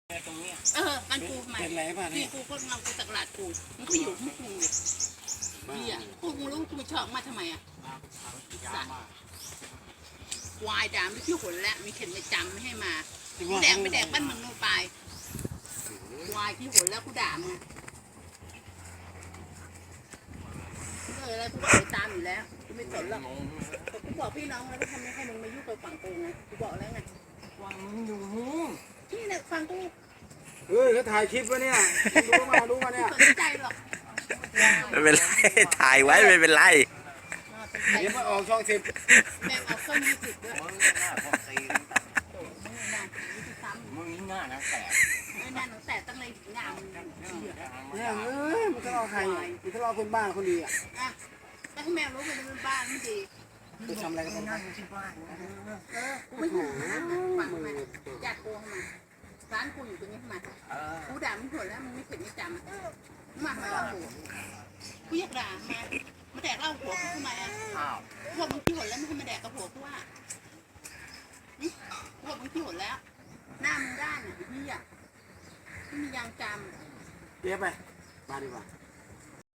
ตรงเนี้ยมันกูทำไมเป็นไรป่ะนี่เนี่ยกูคนเงากูตะกลาดกูมันก็อยู่ของกูเนี่ยกูรู้กูไม่ชอบมาทำไมอ่ะวายด่าไม่ชื่อหนแล้วมีเข็นไม่จำไม่ให้มาแดกไม่แดกบ้านมึงโนไปวายที่หนแล้วกูด่ามึงอะไรกูบอกไปตามอยู่แล้วกูไม่สนหรอกกูบอกพี่น้องแล้วทำไมให้มึงมายุ่งกับฝั่งกูไงกูบอกแล้วไงวางมึงอยู่หูนี่เนี่ยฟังกูเขาถ่ายคลิปวะเนี่ยดูมาเนี่ยสนใจหรอกไม่เป็นไรถ่ายไว้ไม่เป็นไรเดี๋ยวมาออกช่อง10 แม่งเอาต้นยี่สิบด้วยมึงหน้าพอตีมึงน่าตีซ้ำมึงหน้านะแตกไม่น่าหนูแต่ตั้งในงามเนี่ยมันทะเลาะใครมันทะเลาะคนบ้านคนดีอ่ะอ่ะแต่ให้แม่รู้มันเป็นบ้านไม่ดีไปทำอะไรกันบ้างที่บ้านกูไม่ถูกฟังมาญาติกูเข้ามาร้านกูอยู่ตรงนี้เข้ามากูด่ามึงผลแล้วมึงไม่เข็ดไม่จำมาหาเรากูอยากด่ามาแดกเหล้าหัวกูทำไมอ่ะอ้าวพวกมึงขี้หนแล้วมึงให้มาแดกกับหัวกูว่าพวกมึงขี้หนแล้ว หน้ามึงด้านอ่ะพี่อ่ะไม่มียางจำเดี๋ยวไปบ้านดีกว่า